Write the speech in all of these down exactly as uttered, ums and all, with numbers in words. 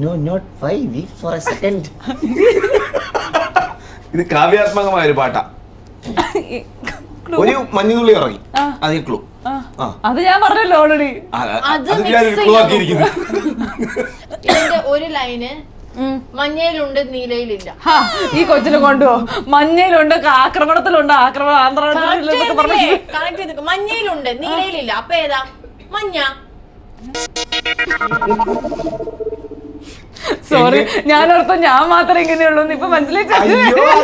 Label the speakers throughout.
Speaker 1: No, not five weeks for a second.
Speaker 2: ഇത് കാവ്യാത്മകമായ ഒരു പാട്ടാ. ഒരു മഞ്ഞുതുള്ളി ഇറങ്ങി, അതേ ക്ലൂ.
Speaker 3: അത് ഞാൻ പറഞ്ഞല്ലോ ഓൾറെഡി.
Speaker 2: ക്ലൂ ആക്കിയിരിക്കുന്നു.
Speaker 4: ഒരു ലൈന് മഞ്ഞയിലുണ്ട് നീലയിലില്ല.
Speaker 3: ഈ കൊച്ചിനെ കൊണ്ടുപോ. മഞ്ഞയിലുണ്ട്, ആക്രമണത്തിലുണ്ട്, ആക്രമണം ആന്ധ്രാ.
Speaker 4: മഞ്ഞയിലുണ്ട് നീലയിലില്ല, അപ്പൊ ഏതാ? മഞ്ഞ.
Speaker 3: സോറി, ഞാനോർത്ത് ഞാൻ മാത്രമേ ഇങ്ങനെയുള്ളൂ. ഇപ്പൊ മനസ്സിലായി.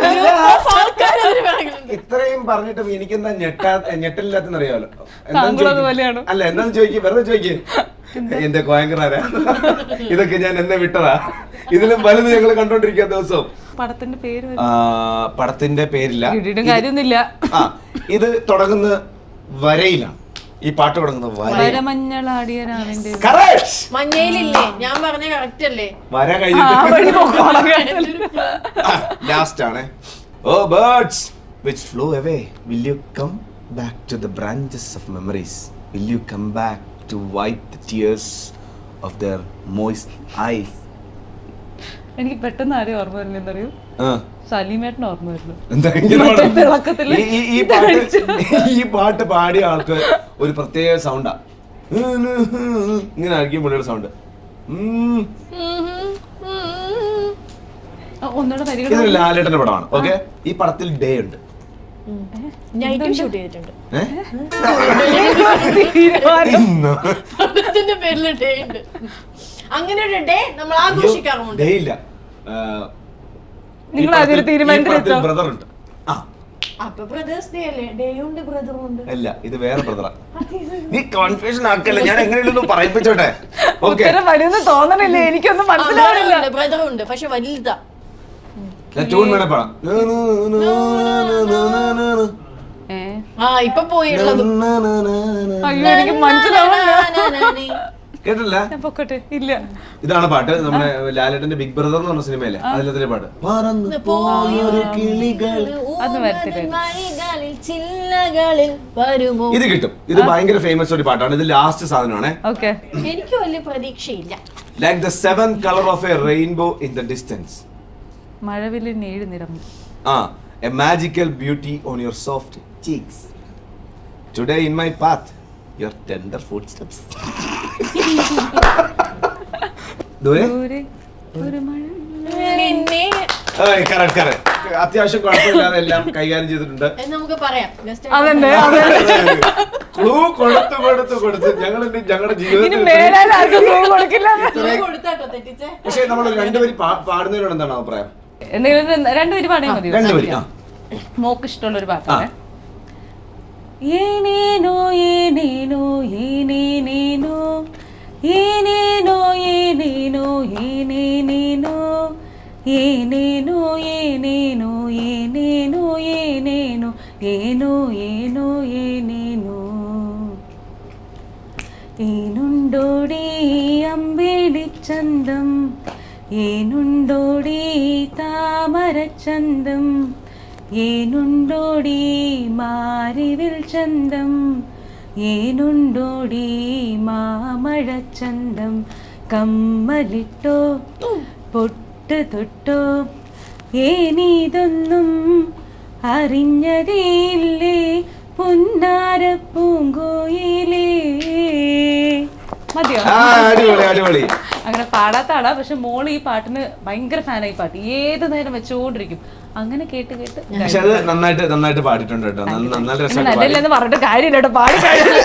Speaker 2: ഇത്രയും പറഞ്ഞിട്ടും എനിക്കെന്താ ഞെട്ടാ ഞെട്ടില്ലാത്തെന്ന് അറിയാമല്ലോ.
Speaker 3: താങ്കളതുപോലെയാണ്.
Speaker 2: അല്ല, എന്താന്ന് ചോദിക്കും, വെറുതെ ചോദിക്കും. എന്റെ കോയങ്കറാരാ, ഇതൊക്കെ ഞാൻ എന്നെ വിട്ടതാ. ഇതിലും വലുത് ഞങ്ങൾ കണ്ടോണ്ടിരിക്കുക ദിവസവും.
Speaker 3: പടത്തിന്റെ പേര്
Speaker 2: പടത്തിന്റെ പേരില്ല,
Speaker 3: കാര്യമൊന്നുമില്ല.
Speaker 2: ആ, ഇത് തുടങ്ങുന്ന വരയിലാണ്. ഈ പാട്ട് തുടങ്ങുന്നത്
Speaker 4: മഞ്ഞയിലില്ലേ? ഞാൻ പറഞ്ഞ കറക്റ്റ് അല്ലേ?
Speaker 2: വര കഴിഞ്ഞിട്ട് ലാസ്റ്റ് ആണ്. Oh birds which flew away, will you come back to the branches of memories? Will you come back to wipe the tears of their moist eyes?
Speaker 3: എനിക്ക് പെട്ടെന്ന് ആരെയും ഓർമ്മ വരുന്ന എന്തറിയോ? സലീമേട്ടൻ ഓർമ്മ വരുന്നു.
Speaker 2: ഈ പാട്ട് പാടിയ ആൾക്ക് ഒരു പ്രത്യേക സൗണ്ടാ. ഇങ്ങനെ ആയിരിക്കും പുള്ളിയുടെ സൗണ്ട്. ഇതൊരു ലാലേട്ടന്റെ പടമാണ്. ഓക്കെ, ഈ പടത്തിൽ ഡേ ഉണ്ട്.
Speaker 4: ഷൂട്ട് ചെയ്തിട്ടുണ്ട്. അങ്ങനെ ഒരു ഡേ നമ്മൾ ആഘോഷിക്കാറുണ്ട്.
Speaker 2: ഡേ ഇല്ല,
Speaker 3: നിങ്ങൾ അതിൽ തീരുമാനിച്ചോ?
Speaker 2: ബ്രദർ ഉണ്ട്.
Speaker 4: അപ്പൊ ബ്രദേഴ്സ് ഡേ അല്ലേ? ഡേ ഉണ്ട്, ബ്രദറും ഉണ്ട്.
Speaker 2: അല്ല, ഇത് വേറെ ബ്രദറാ. നീ കൺഫ്യൂഷൻ ആക്കല്ലേ, ഞാൻ എങ്ങനെയൊന്നും പറയിപ്പിച്ചോട്ടെ. ഓക്കെ,
Speaker 3: വരുന്ന തോന്നണില്ലേ? എനിക്കൊന്നും മനസ്സിലാവില്ല.
Speaker 4: ബ്രദർ ഉണ്ട്, പക്ഷെ വലുതാ.
Speaker 2: ട്യൂൺ വേണേ പാടാം.
Speaker 4: ആ, ഇപ്പൊ പോയുള്ളത്
Speaker 3: അയ്യോ, എനിക്ക് മനസ്സിലാവില്ല.
Speaker 2: കേട്ടില്ല?
Speaker 3: ഇല്ല.
Speaker 2: ഇതാണ് പാട്ട്. നമ്മുടെ ലാലേട്ടന്റെ ബിഗ് ബ്രദർ എന്ന് പറഞ്ഞ സിനിമയിലെ അതിലത്തെ പാട്ട്. ഇത് കിട്ടും. ഇത് ഭയങ്കര ഫേമസ് ഒരു പാട്ടാണ്. ഇത് ലാസ്റ്റ് സാധനമാണ്.
Speaker 4: എനിക്ക് വലിയ പ്രതീക്ഷയില്ല.
Speaker 2: Like the seventh color of a rainbow in the distance.
Speaker 3: മഴവില്ലിൻ ഏഴ് നിറം.
Speaker 2: Ah, a magical beauty on your soft cheeks. Today in my path, your tender footsteps. ദൂരെ ഒരു മഴ. അത്യാവശ്യം കുഴപ്പമില്ലാതെ എല്ലാം കൈകാര്യം ചെയ്തിട്ടുണ്ട്.
Speaker 4: നമുക്ക് പറയാം.
Speaker 2: ക്ലൂ കൊടുത്ത് കൊടുത്ത് കൊടുത്ത് ഞങ്ങൾ ഞങ്ങളുടെ ജീവിതത്തിൽ. പക്ഷെ നമ്മൾ രണ്ടുപേരും പാടുന്നതിനോട് എന്താണ് അഭിപ്രായം?
Speaker 3: രണ്ടുപേരും പാടിയാൽ മതി.
Speaker 2: രണ്ടുപേരും
Speaker 3: മോക്ക് ഇഷ്ടമുള്ള ഒരു പാട്ടാണ്. ഏനേനോ ഏനേനോ ഏനേനേനോ ഏനേനോ ഏനേനോ ഏനേനേനോ ഏനേനോ ഏനേനോ ഏനേനോ ഏനേനോ ഏനോ ഏനോ ഏനേനോ ഏനുണ്ടോടി അമ്പേടിച്ചന്തം ഏനുണ്ടോടി താമരച്ചന്തം ഏനുണ്ടോടി മാരിവിൽ ചന്തം ഏനുണ്ടോടി മാമഴച്ചന്തം കമ്മലിട്ടോ പൊട്ട് തൊട്ടോ ഏനീതൊന്നും അറിഞ്ഞതേയില്ലേ പുന്നാര പൂങ്കോയിലേ. മതിയോ? അങ്ങനെ പാടാത്താടാ. പക്ഷെ മോള് ഈ പാട്ടിന് ഭയങ്കര ഫാനായി. പാട്ട് ഏത് നേരം വെച്ചോണ്ടിരിക്കും. അങ്ങനെ കേട്ട് കേട്ട്
Speaker 2: നന്നായിട്ട് നന്നായിട്ട് പാടിയിട്ടുണ്ട് കേട്ടോ.
Speaker 3: നന്നായിട്ട് പറഞ്ഞിട്ട് കാര്യമില്ല, പാടി.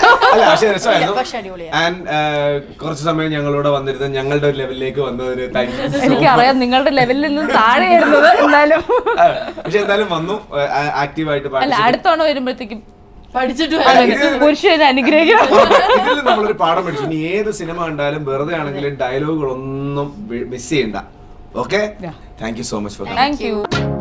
Speaker 2: കുറച്ച് സമയം ഞങ്ങളോട് വന്നിരുന്ന ഞങ്ങളുടെ ലെവലിലേക്ക് വന്നതിന്
Speaker 3: എനിക്കറിയാം നിങ്ങളുടെ ലെവലിൽ നിന്നും താഴെയായിരുന്നത്. എന്നാലും
Speaker 2: പക്ഷെ എന്തായാലും വന്നു, ആക്റ്റീവായിട്ട്.
Speaker 3: അല്ല, അടുത്തവണ വരുമ്പോഴത്തേക്കും
Speaker 4: പഠിച്ചിട്ട്
Speaker 3: പുരുഷനെ അനുഗ്രഹിക്കണം.
Speaker 2: ഇതിൽ നമ്മളൊരു പാഠം പഠിച്ചു. ഇനി ഏത് സിനിമ കണ്ടാലും വെറുതെ ആണെങ്കിലും ഡയലോഗുകളൊന്നും മിസ് ചെയ്യണ്ട. Okay, thank you so much for
Speaker 3: thank U.